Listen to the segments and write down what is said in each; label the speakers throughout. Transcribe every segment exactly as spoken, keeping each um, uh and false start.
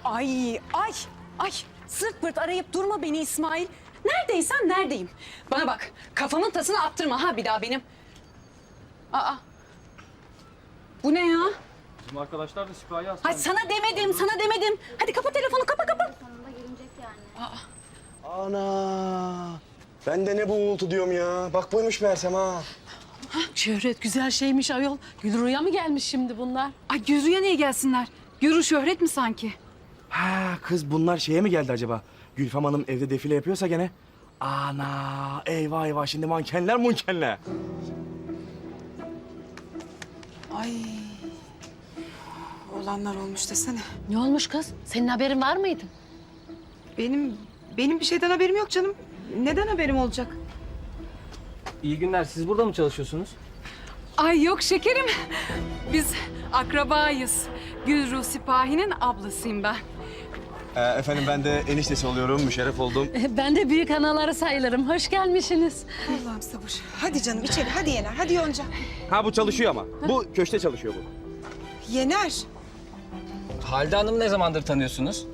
Speaker 1: Ay, ay, ay. Sırt pırt arayıp durma beni İsmail. Neredeysen neredeyim. Bana bak, kafamın tasını attırma ha bir daha benim. Aa. Bu ne ya?
Speaker 2: Bizim arkadaşlar da sipahi hastane.
Speaker 1: Hay sana demedim, sana demedim. Hadi kapa telefonu, kapa kapa.
Speaker 3: Sonunda gelecek yani.
Speaker 1: Aa.
Speaker 4: Ana! Ben de ne bu uğultu diyorum ya. Bak buymuş meğersem ha.
Speaker 5: Şöhret güzel şeymiş ayol. Gülru'ya mı gelmiş şimdi bunlar?
Speaker 1: Ay Gürü'ye niye gelsinler? Gürü şöhret mi sanki?
Speaker 4: Ha kız bunlar şeye mi geldi acaba? Gülfem Hanım evde defile yapıyorsa gene. Ana! Eyvah eyvah şimdi mankenler munkenler.
Speaker 1: Ay. Olanlar olmuş desene.
Speaker 5: Ne olmuş kız? Senin haberin var mıydı?
Speaker 6: Benim benim bir şeyden haberim yok canım. Neden haberim olacak?
Speaker 2: İyi günler. Siz burada mı çalışıyorsunuz?
Speaker 1: Ay yok şekerim. Biz akrabayız. Gülru Sipahi'nin ablasıyım ben.
Speaker 4: Ee, efendim ben de eniştesi oluyorum. Müşerref oldum.
Speaker 5: Ben de büyük anaları sayılırım. Hoş gelmişsiniz.
Speaker 6: Allah'ım sabır. Hadi canım içeri hadi Yener hadi Yonca.
Speaker 4: Ha bu çalışıyor ama. Bu köşte çalışıyor bu.
Speaker 6: Yener.
Speaker 2: Halide Hanım'ı ne zamandır tanıyorsunuz?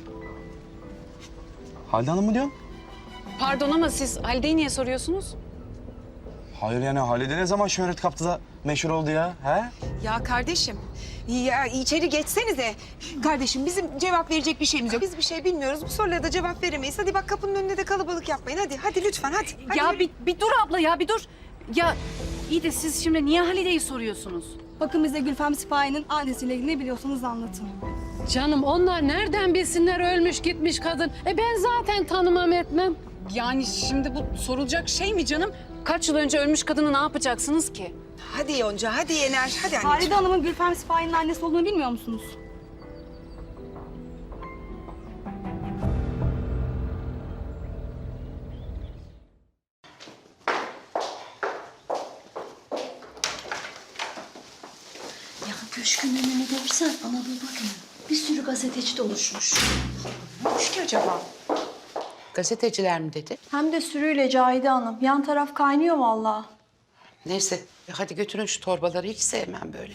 Speaker 4: Halide Hanım mı diyorsun?
Speaker 1: Pardon ama siz Halide'yi niye soruyorsunuz?
Speaker 4: Hayır yani Halide ne zaman şöhret kaptı da meşhur oldu ya? He?
Speaker 6: Ya kardeşim ya içeri geçsenize. Kardeşim bizim cevap verecek bir şeyimiz yok. Biz bir şey bilmiyoruz. Bu sorulara da cevap veremeyiz. Hadi bak kapının önünde de kalabalık yapmayın. Hadi hadi lütfen hadi. hadi
Speaker 1: Ya
Speaker 6: yürü.
Speaker 1: bir, bir dur abla ya bir dur. Ya iyi de siz şimdi niye Halide'yi soruyorsunuz?
Speaker 7: Bakın bize Gülfem Sipahi'nin annesiyle ilgili ne biliyorsanız anlatın.
Speaker 5: Canım onlar nereden bilsinler ölmüş gitmiş kadın? E ben zaten tanımam etmem.
Speaker 1: Yani şimdi bu sorulacak şey mi canım? Kaç yıl önce ölmüş kadını ne yapacaksınız ki?
Speaker 6: Hadi Yonca hadi Yener hadi anneciğim.
Speaker 7: Halide Hanım'ın Gülfem Sipahi'nin annesi olduğunu bilmiyor musunuz?
Speaker 3: Ya köşkün önünü görsen Anadolu Günü. Bir sürü gazeteci doluşmuş.
Speaker 6: Ne olmuş ki acaba?
Speaker 8: Gazeteciler mi dedi?
Speaker 7: Hem de sürüyle Cahide Hanım. Yan taraf kaynıyor vallahi.
Speaker 8: Neyse hadi götürün şu torbaları, hiç sevmem böyle.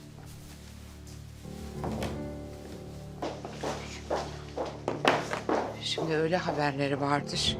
Speaker 8: Şimdi öyle haberleri vardır.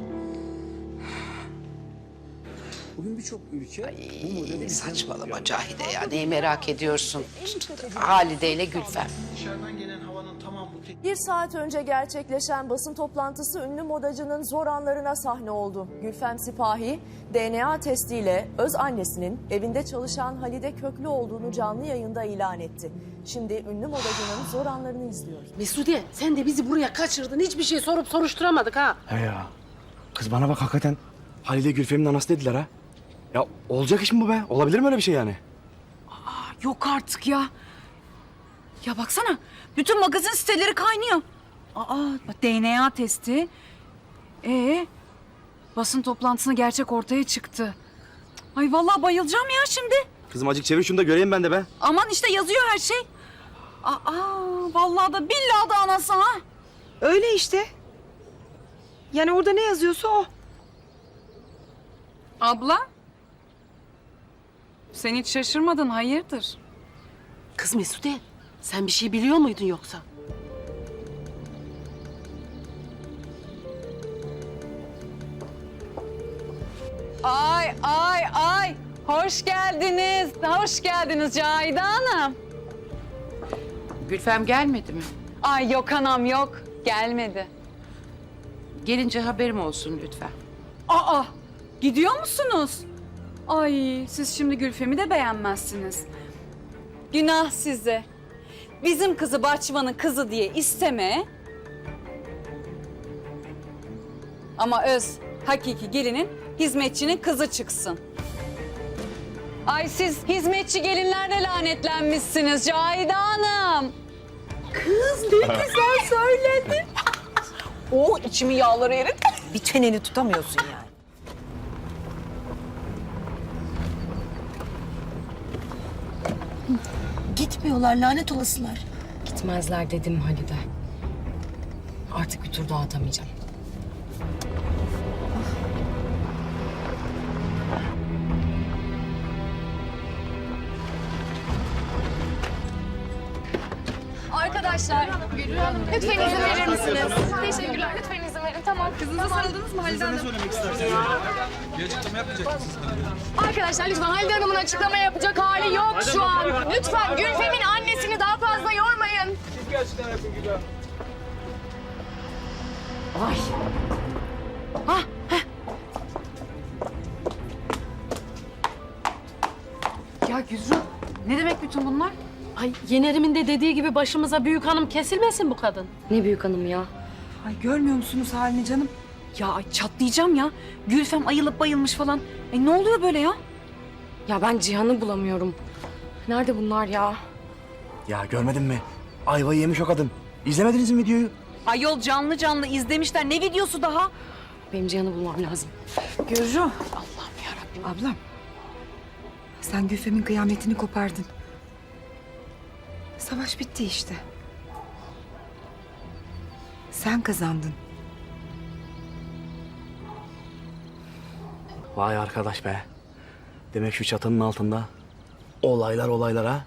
Speaker 2: Bugün birçok ülke bu modeli...
Speaker 8: Ay, saçmalama Cahide ya, neyi merak ediyorsun? Halide ile Gülfem.
Speaker 9: Bir saat önce gerçekleşen basın toplantısı ünlü modacının zor anlarına sahne oldu. Gülfem Sipahi, D N A testiyle öz annesinin evinde çalışan Halide Köklü olduğunu canlı yayında ilan etti. Şimdi ünlü modacının zor anlarını izliyoruz.
Speaker 5: Mesude sen de bizi buraya kaçırdın. Hiçbir şey sorup soruşturamadık ha.
Speaker 4: He ya. Kız bana bak hakikaten Halide Gülfem'in anası dediler ha. Ya olacak iş mi bu be? Olabilir mi öyle bir şey yani?
Speaker 1: Yok artık ya. Ya baksana bütün magazin siteleri kaynıyor. Aa D N A testi. Ee basın toplantısında gerçek ortaya çıktı. Ay vallahi bayılacağım ya şimdi.
Speaker 4: Kızım acık çevir şunu da göreyim ben de be.
Speaker 1: Aman işte yazıyor her şey. Aa vallahi da billahi da anası ha.
Speaker 6: Öyle işte. Yani orada ne yazıyorsa o.
Speaker 1: Abla. Sen hiç şaşırmadın hayırdır?
Speaker 5: Kız Mesude sen bir şey biliyor muydun yoksa?
Speaker 1: Ay ay ay. Hoş geldiniz. Hoş geldiniz Cahide Hanım.
Speaker 8: Gülfem gelmedi mi?
Speaker 1: Ay yok anam yok. Gelmedi.
Speaker 8: Gelince haberim olsun lütfen.
Speaker 1: Aa gidiyor musunuz? Ay siz şimdi Gülfem'i de beğenmezsiniz. Günah size. Bizim kızı Bahçıvan'ın kızı diye isteme. Ama öz hakiki gelinin hizmetçinin kızı çıksın. Ay siz hizmetçi gelinlerle lanetlenmişsiniz Cahide Hanım. Kız ne güzel söyledin. Oh içimi yağları erit.
Speaker 6: Bir çeneni tutamıyorsun yani.
Speaker 3: Gitmiyorlar lanet olasılar.
Speaker 10: Gitmezler dedim Halide. Artık bir tur daha atamayacağım.
Speaker 1: Arkadaşlar
Speaker 7: Arkadaşlar lütfen izin verir misiniz? Teşekkürler. Lütfen izin verin. Tamam. Kızınıza sarıldınız mı Halide Hanım?
Speaker 11: Bir açıklama yapmayacak mısınız?
Speaker 7: Arkadaşlar lütfen Halide Hanım'ın açıklama yapacak hali yok şu an. Lütfen Gülfem'in annesini daha fazla yormayın.
Speaker 2: Siz bir açıklama yapın Gülfem.
Speaker 1: Ay. Ah, heh. Ya Güzru, ne demek bütün bunlar?
Speaker 5: Ay Yener'imin de dediği gibi başımıza büyük hanım kesilmesin bu kadın.
Speaker 10: Ne büyük hanım ya.
Speaker 6: Ay görmüyor musunuz halini canım?
Speaker 1: Ya ay çatlayacağım ya. Gülfem ayılıp bayılmış falan. E ne oluyor böyle ya?
Speaker 10: Ya ben Cihan'ı bulamıyorum. Nerede bunlar ya?
Speaker 4: Ya görmedin mi? Ayvayı yemiş o kadın. İzlemediniz mi videoyu?
Speaker 1: Ayol canlı canlı izlemişler. Ne videosu daha?
Speaker 10: Benim Cihan'ı bulmam lazım.
Speaker 6: Gürru. Allah'ım yarabbim. Ablam. Sen Gülfem'in kıyametini kopardın. Savaş bitti işte. Sen kazandın.
Speaker 4: Vay arkadaş be. Demek şu çatının altında olaylar olaylar ha.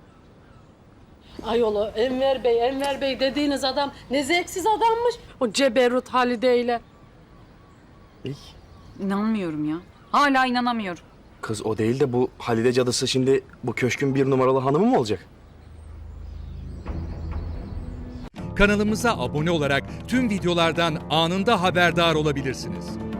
Speaker 5: Ayolu Enver Bey, Enver Bey dediğiniz adam ne zevksiz adammış. O Ceberrut Halide ile.
Speaker 4: İyi.
Speaker 1: İnanmıyorum ya. Hala inanamıyorum.
Speaker 4: Kız o değil de bu Halide cadısı şimdi bu köşkün bir numaralı hanımı mı olacak?
Speaker 12: Kanalımıza abone olarak tüm videolardan anında haberdar olabilirsiniz.